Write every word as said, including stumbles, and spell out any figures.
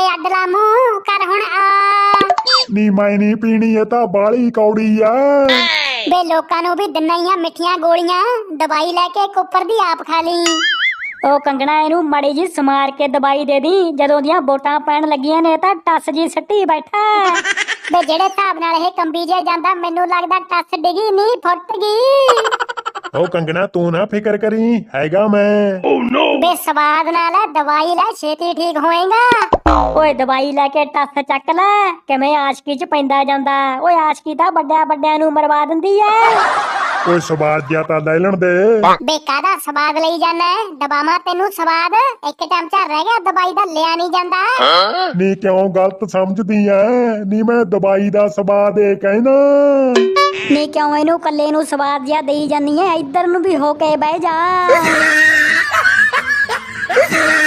ਵੇ ਅੱਡਲਾ ਮੂੰਹ ਕਰ ਹੁਣ ਆ ਨੀ ਮੈਂ ਨਹੀਂ ਪੀਣੀ, ਇਹ ਤਾਂ ਬਾਲੀ ਕੌੜੀ ਆ। ਵੇ ਲੋਕਾਂ ਨੂੰ ਵੀ ਦਿੰਨਾ ਹੀ ਆ ਮਿੱਠੀਆਂ ਗੋਲੀਆਂ, ਦਵਾਈ ਲੈ ਕੇ ਕੁੱਪਰ ਦੀ ਆਪ ਖਾ ਲਈ। ਉਹ ਕੰਗਣਾ ਇਹਨੂੰ ਮੜੀ ਜੀ ਸਮਾਰ ਕੇ ਦਵਾਈ ਦੇ ਦੀ, ਜਦੋਂ ਦੀਆਂ ਵੋਟਾਂ ਪੈਣ ਲੱਗੀਆਂ ਨੇ ਤਾਂ ਟੱਸ ਜੀ ਸੱਟੀ ਬੈਠਾ। ਵੇ ਜਿਹੜੇ ਹਿਸਾਬ ਨਾਲ ਇਹ ਕੰਬੀ ਜੇ ਜਾਂਦਾ, ਮੈਨੂੰ ਲੱਗਦਾ ਟੱਸ ਡਿੱਗੀ ਨਹੀਂ ਫੁੱਟ ਗਈ। ਉਹ ਕੰਗਣਾ ਤੂੰ ਨਾ ਫਿਕਰ ਕਰੀ, ਹੈਗਾ ਮੈਂ। ਵੇ ਸਵਾਦ ਨਾਲ ਦਵਾਈ ਲੈ, ਛੇਤੀ ਠੀਕ ਹੋਏਗਾ। ਓਏ ਦਵਾਈ ਲੈ ਕੇ ਟੱਸ ਚੱਕ ਲੈ, ਕਿਵੇਂ ਆਸ਼ਕੀ ਚ ਪੈਂਦਾ ਜਾਂਦਾ। ਓਏ ਆਸ਼ਕੀ ਤਾਂ ਵੱਡਿਆਂ ਵੱਡਿਆਂ ਨੂੰ ਮਰਵਾ ਦਿੰਦੀ ਐ। ਓਏ ਸਵਾਦ ਜਿਆ ਤਾਂ ਲੈ ਲੈਣ ਦੇ। ਵੇ ਕਾਹਦਾ ਸਵਾਦ ਲਈ ਜਾਣਾ, ਦਬਾਵਾਂ ਤੈਨੂੰ ਸਵਾਦ, ਇੱਕ ਚਮਚਾ ਰਹਿ ਗਿਆ ਦਵਾਈ ਦਾ, ਲਿਆ ਨਹੀਂ ਜਾਂਦਾ। ਨੀ ਕਿਉਂ ਗਲਤ ਸਮਝਦੀ ਐ, ਨੀ ਮੈਂ ਦਵਾਈ ਦਾ ਸਵਾਦ ਏ ਕਹਿਣਾ। ਨੀ ਕਿਉਂ ਇਹਨੂੰ ਕੱਲੇ ਨੂੰ ਸਵਾਦ ਜਿਹਾ ਦੇਈ ਜਾਨੀ ਐ, ਇੱਧਰ ਨੂੰ ਵੀ ਹੋ ਕੇ ਬਹਿ ਜਾ।